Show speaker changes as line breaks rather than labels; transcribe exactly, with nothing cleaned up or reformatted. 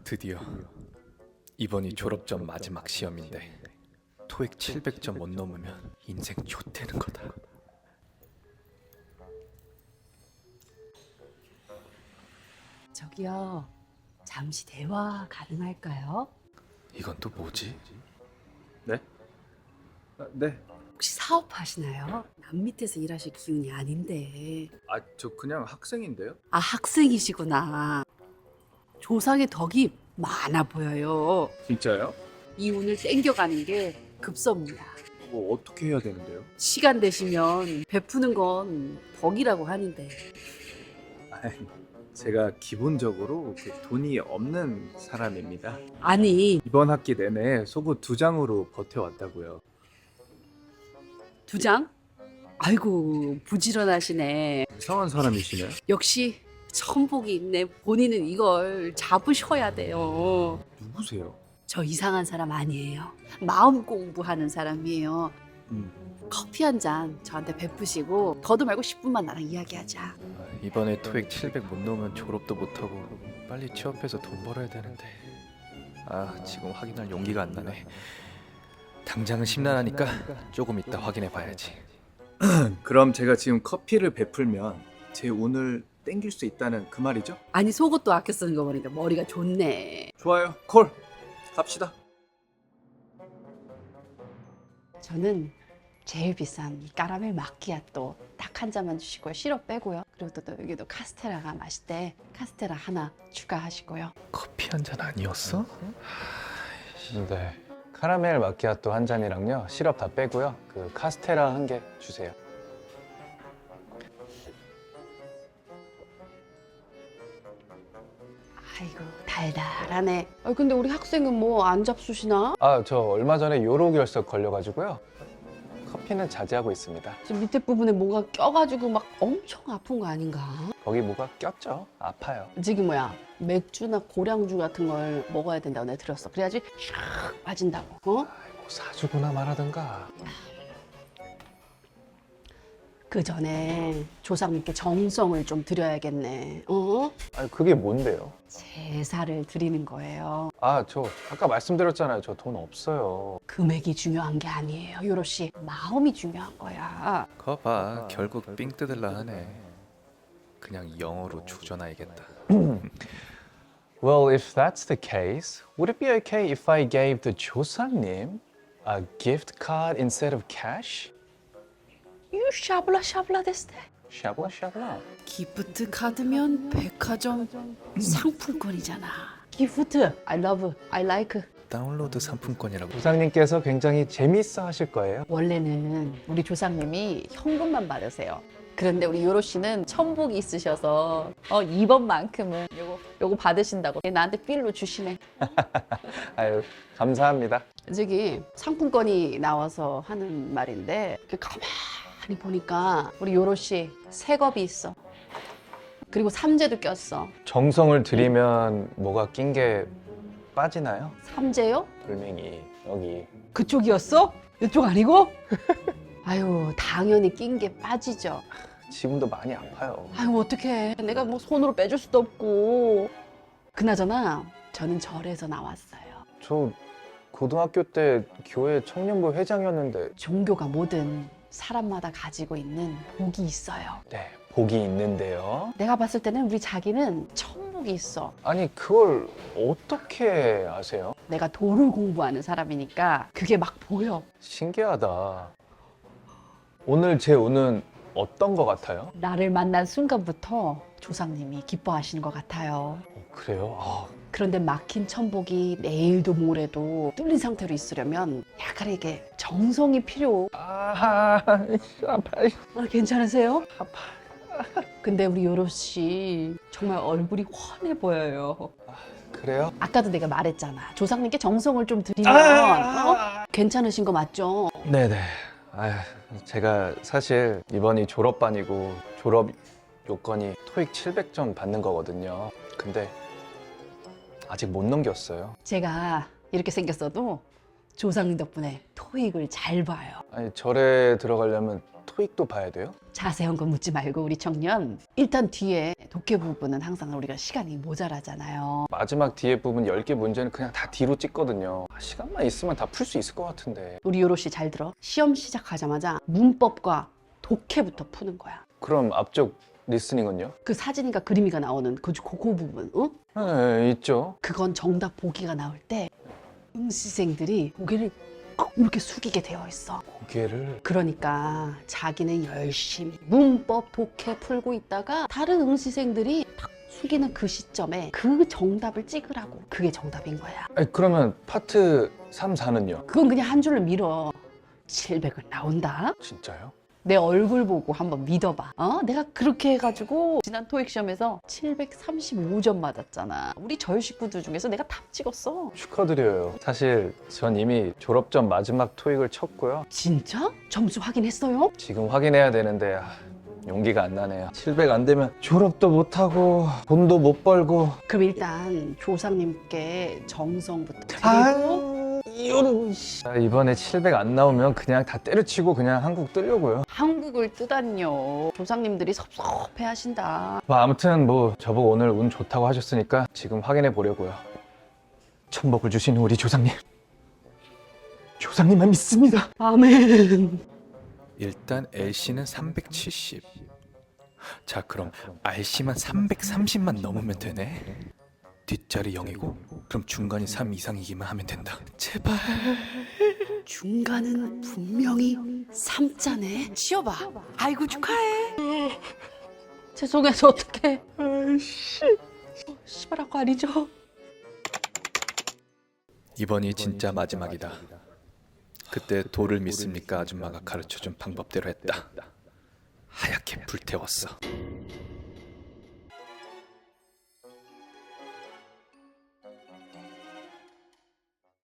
드디어 이번이 졸업전 마지막 시험인데 토익 칠백 점 못 넘으면 인생 좆되는 거다.
저기요, 잠시 대화 가능할까요?
이건 또 뭐지?
네? 아, 네.
혹시 사업하시나요? 남 밑에서 일하실 기운이 아닌데.
아, 저 그냥 학생인데요.
아, 학생이시구나. 조상의 덕이 많아 보여요.
진짜요?
이 운을 땡겨가는 게 급섭니다.
뭐 어떻게 해야 되는데요?
시간 되시면 베푸는 건 덕이라고 하는데.
아이, 제가 기본적으로 그 돈이 없는 사람입니다.
아니,
이번 학기 내내 속옷 두 장으로 버텨왔다고요.
두 장? 아이고, 부지런하시네.
이상한 사람이시네.
역시 천복이 있네. 본인은 이걸 잡으셔야 돼요.
누구세요?
저 이상한 사람 아니에요. 마음 공부하는 사람이에요.
음.
커피 한 잔 저한테 베푸시고 더도 말고 십 분만 나랑 이야기하자.
아, 이번에 토익 칠백 못 넘으면 졸업도 못하고 빨리 취업해서 돈 벌어야 되는데 아 지금 확인할 용기가 안 나네. 당장은 심란하니까 조금 이따 확인해 봐야지.
그럼 제가 지금 커피를 베풀면 제 운을 땡길 수 있다는 그 말이죠?
아니 속옷도 아껴 쓰는 거 보니까 머리가 좋네.
좋아요. 콜! 갑시다.
저는 제일 비싼 이 까라멜 마키아또 딱 한 잔만 주시고요. 시럽 빼고요. 그리고 또, 또 여기도 카스테라가 맛있대. 카스테라 하나 추가하시고요.
커피 한 잔 아니었어?
네. 카라멜 마키아토 한 잔이랑요. 시럽 다 빼고요. 그 카스테라 한 개 주세요.
아이고 달달하네. 아 근데 우리 학생은 뭐 안 잡수시나?
아, 저 얼마 전에 요로결석 걸려가지고요. 커피는 자제하고 있습니다.
지금 밑에 부분에 뭐가 껴가지고 막 엄청 아픈 거 아닌가?
거기 뭐가 꼈죠? 아파요.
저기 뭐야 맥주나 고량주 같은 걸 먹어야 된다고 내가 들었어. 그래야지 샥 빠진다고. 어?
뭐 사주거나 말하든가.
그 전에 조상님께 정성을 좀 드려야겠네. 어?
아니, 그게 뭔데요?
제사를 드리는 거예요.
아, 저 아까 말씀드렸잖아요. 저 돈 없어요.
금액이 중요한 게 아니에요. 요로 씨 마음이 중요한 거야.
거봐 결국 삥 뜯을라 하네. 그냥 영어로 조져놔야겠다.
Well, if that's the case, would it be okay if I gave the 조상님 a gift card instead of cash?
유 샤블라 샤블라 데스테.
샤블라 샤블라.
기프트 카드면 백화점 상품권이잖아. 기프트. I love. I like.
다운로드 상품권이라고.
조상님께서 굉장히 재밌어 하실 거예요.
원래는 우리 조상님이 현금만 받으세요. 그런데 우리 요로 씨는 천복이 있으셔서 어 이번만큼은 요거 요거 받으신다고 나한테 필로 주시네.
아유, 감사합니다.
저기 상품권이 나와서 하는 말인데 그 가만히 보니까 우리 요로 씨 새겁이 있어. 그리고 삼재도 꼈어.
정성을 들이면 뭐가 낀 게 빠지나요?
삼재요?
돌멩이 여기.
그쪽이었어? 이쪽 아니고? 아유 당연히 낀 게 빠지죠.
지금도 많이 아파요.
아유 어떡해. 내가 뭐 손으로 빼줄 수도 없고. 그나저나 저는 절에서 나왔어요.
저 고등학교 때 교회 청년부 회장이었는데.
종교가 뭐든 사람마다 가지고 있는 복이 있어요.
네, 복이 있는데요.
내가 봤을 때는 우리 자기는 천복이 있어.
아니, 그걸 어떻게 아세요?
내가 도를 공부하는 사람이니까 그게 막 보여.
신기하다. 오늘 제 운은 어떤 것 같아요?
나를 만난 순간부터 조상님이 기뻐하시는 것 같아요.
어, 그래요? 아,
그런데 막힌 천복이 내일도 모레도 뚫린 상태로 있으려면 약간 이게 정성이 필요.
아, 아파요.
아, 괜찮으세요?
아파.
근데 우리 요로 씨 정말 얼굴이 환해 보여요.
그래요?
아까도 내가 말했잖아. 조상님께 정성을 좀 드리면
아!
어? 괜찮으신 거 맞죠?
네네. 아휴, 제가 사실 이번이 졸업반이고 졸업 요건이 토익 칠백 점 받는 거거든요. 근데 아직 못 넘겼어요.
제가 이렇게 생겼어도 조상님 덕분에 토익을 잘 봐요.
아니, 절에 들어가려면 토익도 봐야 돼요?
자세한 거 묻지 말고 우리 청년 일단 뒤에 독해 부분은 항상 우리가 시간이 모자라잖아요.
마지막 뒤에 부분 열 개 문제는 그냥 다 뒤로 찍거든요. 아, 시간만 있으면 다 풀 수 있을 것 같은데.
우리 요로 씨 잘 들어. 시험 시작하자마자 문법과 독해부터 푸는 거야.
그럼 앞쪽 리스닝은요?
그 사진과 그림이가 나오는 그, 그, 그 부분, 응?
네, 있죠.
그건 정답 보기가 나올 때 응시생들이 고개를 꼭 이렇게 숙이게 되어 있어.
고개를.
그러니까 자기는 열심히 문법 독해 풀고 있다가 다른 응시생들이 탁 숙이는 그 시점에 그 정답을 찍으라고. 그게 정답인 거야.
아니, 그러면 파트 삼, 사는요?
그건 그냥 한 줄로 밀어. 칠백은 나온다.
진짜요?
내 얼굴 보고 한번 믿어봐. 어? 내가 그렇게 해가지고 지난 토익 시험에서 칠백삼십오 점 맞았잖아. 우리 저희 식구들 중에서 내가 탑 찍었어.
축하드려요. 사실 전 이미 졸업전 마지막 토익을 쳤고요.
진짜? 점수 확인했어요?
지금 확인해야 되는데 아, 용기가 안 나네요. 칠백 안 되면 졸업도 못하고 돈도 못 벌고.
그럼 일단 조상님께 정성부터 드리고
이런. 아, 이번에 칠백 안 나오면 그냥 다 때려치고 그냥 한국 뜨려고요.
한국을 뜨다니요. 조상님들이 섭섭해 하신다.
뭐 아무튼 뭐 저보고 오늘 운 좋다고 하셨으니까 지금 확인해 보려고요. 천복을 주신 우리 조상님. 조상님만 믿습니다.
아멘.
일단 엘씨는 삼백칠십. 자, 그럼 알씨만 삼백삼십만 넘으면 되네. 뒷자리 영이고 그럼 중간이 삼 이상이기만 하면 된다. 제발.
중간은 분명히 삼자네. 쉬어봐. 아이고 축하해. 죄송해서 어떡해. 아이씨. 씨발하고 아니죠?
이번이 진짜 마지막이다. 그때 도를 믿습니까 아줌마가 가르쳐준 방법대로 했다. 하얗게 불태웠어.